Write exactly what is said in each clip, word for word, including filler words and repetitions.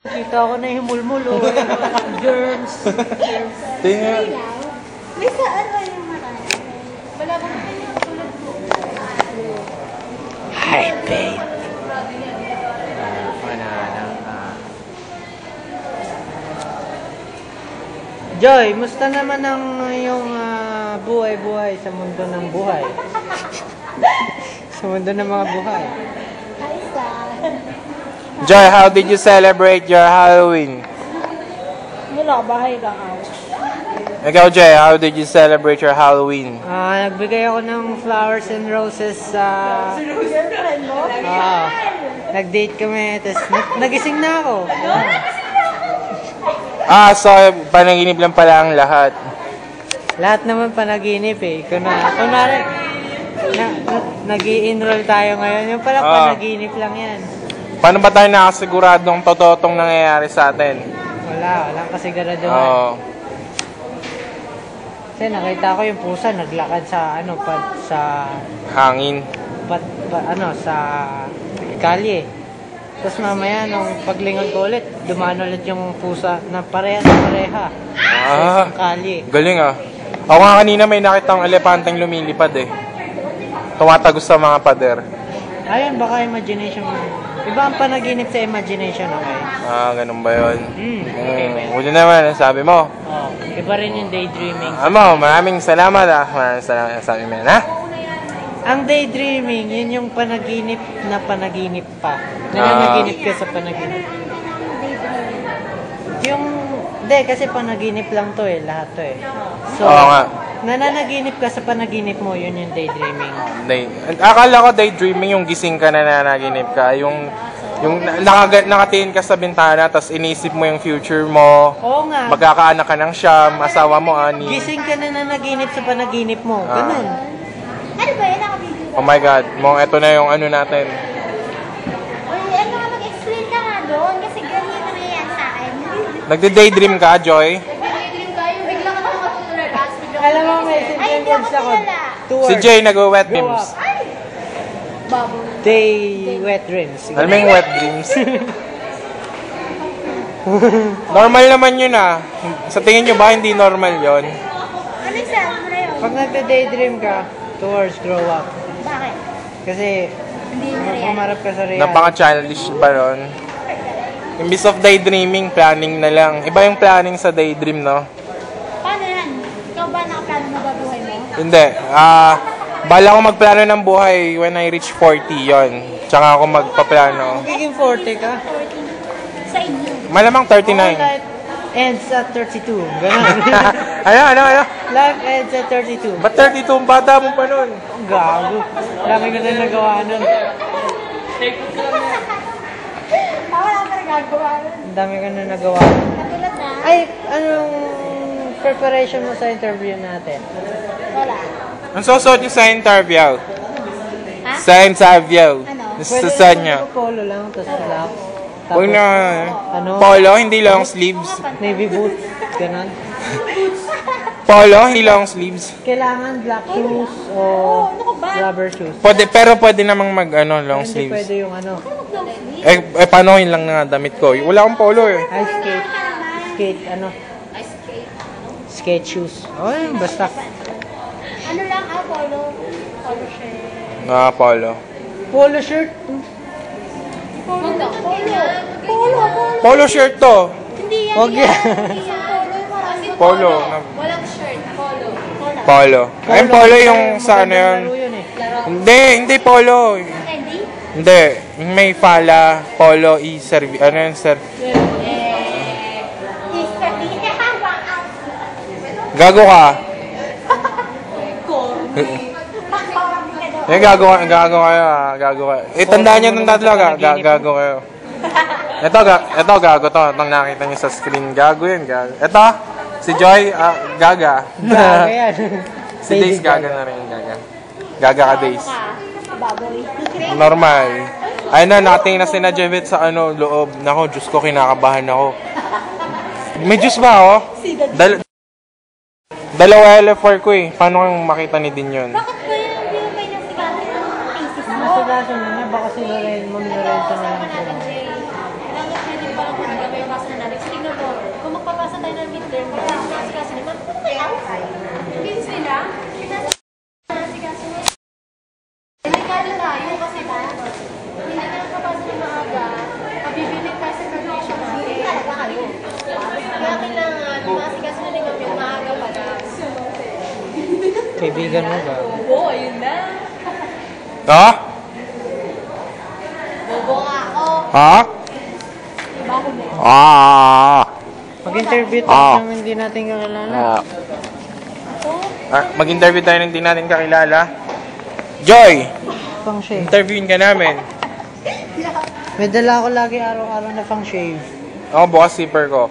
Kita ko na yung mulmulo. Germs. Germs. Tingnan. May saan ba yung marami? Wala ba naman yung tulad ko? Hi, babe. Joy, musta naman ang yung uh, buhay-buhay sa mundo ng buhay? Sa mundo ng mga buhay. Hi, Sam. Joy, how did you celebrate your Halloween? Wala, bahay lang ako. Ikaw, Joy, how did you celebrate your Halloween? Ah, uh, nagbigay ako ng flowers and roses sa... Girlfriend mo? Ah, nag-date kami, tapos nagising na ako. Ah, so panaginip lang pala ang lahat. Lahat naman panaginip eh. Kunwari, kunwari na, na, nag-i-enroll tayo ngayon. Yung pala Ah. panaginip lang yan. Paano ba tayo nakasiguradong totoo tong nangyayari sa atin? Wala, walang kasiguraduhan. Oo. Kasi nakita ko yung pusa naglakad sa ano pa sa Hangin. pat, pa, ano sa kalye. Tapos mamaya nung paglingon ko ulit, dumaan ulit yung pusa na pareha na pareha. Ah, Sa kalye. galing ah. Ako nga kanina may nakita ang elepanteng lumilipad eh. Tumatagos sa mga pader. Ayun, baka imagination mo. Iba ang panaginip sa imagination, okay? Ah, ganun ba yun? Hmm. Hmm, huli naman, sabi mo. Oh, iba rin yung daydreaming. Amo, maraming salamat ah. Maraming salamat sabi mo yan, ha? Ang daydreaming, yun yung panaginip na panaginip pa. Nananaginip ka sa panaginip. Yung, hindi, kasi panaginip lang to eh, lahat to eh. So, Oo nga. nananaginip ka sa panaginip mo, yun yung daydreaming. Day, akala ko daydreaming yung gising ka na nanaginip ka. Yung, yung naka, nakatingin ka sa bintana, tapos inisip mo yung future mo. Oo nga. Magkakaanak ka ng siyam, asawa mo, ani. Gising ka na nanaginip sa panaginip mo. Ganun. Ano ba yun? Nakabigyo Oh my God, mong eto na yung ano natin. Uy, ano nga, mag-explain ka nga doon. Kasi ganyan na nangyayari sa akin. Nagde-daydream ka, Joy? Nag-daydream kayo. Bigla ka naman matutulad. Alam mo, may Ay, hindi ako sentence ako. kilala. Two Si words. Jay nag-wet Grow dreams. up. Ay! Baboy. Day wet dreams. Alam mo yung wet dreams? Normal naman yun ah. Sa tingin nyo ba hindi normal yun? Ano yung sabi mo na yun? Pag nagda-daydream ka, two words, grow up. Bakit? Kasi, Hindi mo na yan. pumarap ka sa reality. Napaka-childish ba nun? Imbis of daydreaming, planning na lang. Iba yung planning sa daydream, no? Paano yan? Ikaw ba nakaplano na ba buhay mo? Hindi. Ah, bala ko magplano ng buhay when I reach forty, yon. Tsaka ako magpaplano. Magiging forty ka. Sa inyo. Malamang All thirty-nine. life ends at thirty-two. Ganun. ano, ano, ano? Life ends at thirty-two. Ba't thirty-two? Ang bata mo pa nun? Ang gago. Laki ko na nagawa nun. Ah, wala ka nagagawa nun. Ang dami ko na nagawa nun. Katulad na? Ay, anong preparation mo sa interview natin? Wala. Ang susot yung sa interview. Ha? Sa interview. Ano? Sa sa niya. pwede polo lang, tapos black. Huwag na. ano? Polo, hindi long sleeves. Navy boots. Ganun. Polo, hindi long sleeves. Kailangan black shoes o ano ka ba? rubber shoes. Pwede, pero pwede namang mag ano, long Hindi sleeves. pwede yung ano, Eh, eh paano yun lang na damit ko? Wala akong polo eh. ice skate. Skate, ano? Skate shoes. Oh, yun, basta. Ano lang, ah, polo. Polo shirt. Ah, polo. Polo shirt. Polo. Polo. Polo. Polo. Polo shirt to. Hindi yan. Wag yan. Hindi yan. Polo yung marami. Polo. Walang shirt. Polo. Polo. Polo. Ay, polo yung sa ano yun. Laro yun eh. Hindi, hindi polo. Candy? Hindi. Yung may fala, polo, i-serve. Ano yun, sir? Gago ka. Eh, gago ka, gago kayo ah, gago kayo. Eh, tandaan nyo itong tatlo, ga, ga, gago kayo. Ito, ga, ito, gago to. Itong nakita nyo sa screen, gago yun, gago. Ito, si Joy, ah, gaga. Gago yan. Si Days, gaga na rin, gaga. Gaga ka, Days. Baboy. Normal. Ayun na, nakatingin na si na Jevet sa ano, loob. Nako, Diyos ko, kinakabahan ako. May Diyos ba ako? Dal Dalawa L F four ko eh. Paano kang makita ni din yun? Bakit ba yun? Hindi mo ba yung sigasin ng thesis mo? Nasa laso na niya, baka si Lorraine, Ma'am Lorenzo na lang po. Bakit pwede ba kung gawin tayo ng midterm. Kasi naman, ano kaya? Kids nila? Pinasikaso mo. Delikado tayo kasi ba? Hindi na nakapasok ng maaga. Mabibilit tayo sa graduation natin. Talaga kayo. Kaya kailangan, masikaso na rin kami yung maaga pa lang. Kaibigan mo ba? Oo, ayun na. Ha? Bobo nga ako. Ha? Bago mo. Ah. Mag-interview tayo Ah. ng hindi natin kakilala. Ah. Ah, mag-interview tayo ng hindi natin kakilala. Joy! Pang shave. Interviewin ka namin. May dala ako lagi araw-araw na pang shave. Ako, bukas zipper ko.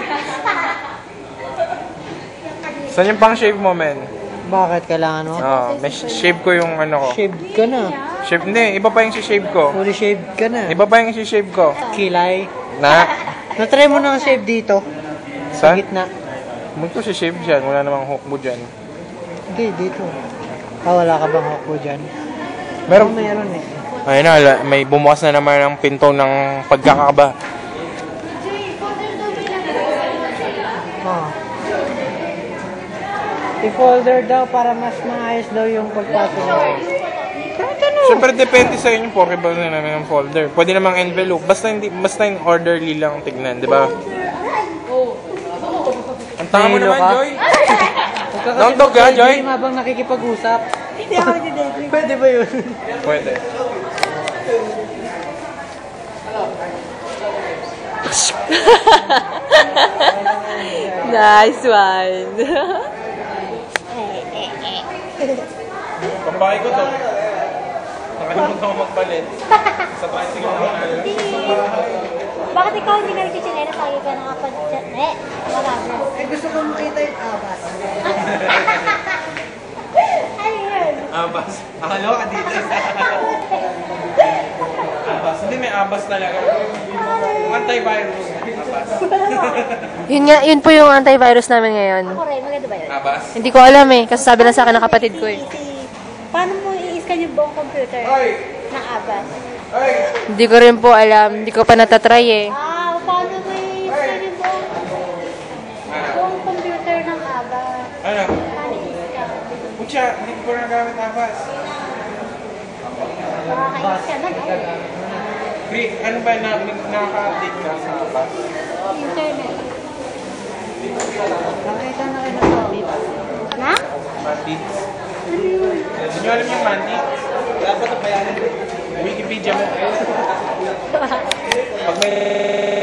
Saan yung pang shave mo, men? Bakit kailangan mo? Ah, may sh- shave ko yung ano ko. Shave ka na. Shave, hindi, iba pa yung shave ko. Fully shave ka na. Iba pa yung shave ko. Kilay. Na? Na-try mo na ang shave dito. Sa Saan? gitna. Huwag ko si shave dyan. Wala namang hook mo dyan. Hindi, dito. Ah, wala ka bang hawk mo dyan? Meron. Oh, mayroon eh. Ayun na, ala- may bumukas na naman ang pinto ng pagkakaba. Oh. I-folder daw para mas maayos daw yung pagpasok mo. Siyempre, depende sa inyo po. Kiba na namin ang folder. Pwede namang envelope. Basta hindi, basta yung orderly lang tignan, di ba? Ang tanga mo Nahilo naman, ka? Joy. Don't talk ka, Joy. Hindi habang nakikipag-usap. Hindi ako nag-daydream. Pwede ba yun? Pwede. Nice one. Pambahay ko to. Nakalimutan ko magpalit. Sa bicycle ko na. Bakit ikaw hindi ka nagchichinela? Lagi ka nakapanchit. Eh, marami. Eh, gusto ko makita yung abas. Ano yun? Abas. Akala ko ka dito. Abas. Hindi, may abas talaga. Antivirus. Abas. Yun nga, yun po yung antivirus namin ngayon. Ako rin, maganda ba yun? Abas. Hindi ko alam eh, kasi sabi lang sa akin ng kapatid ko eh. Easy. Paano mo i-scan yung buong computer na abas? Hindi ko rin po alam, hindi ko pa natatry eh. Ah, paano mo i-scan yung buong, buong computer ng abas? Ano? Paano i-scan? Pucha, hindi ko nagamit abas. Makaka-scan na, no? Pre, ano ba na nakaka-update ka sa abas? Internet. Nakita na kayo ng bandit. Na? Mandates. Hindi nyo alam yung mandates? Dapat ang bayanin. Wikipedia mo. Pag may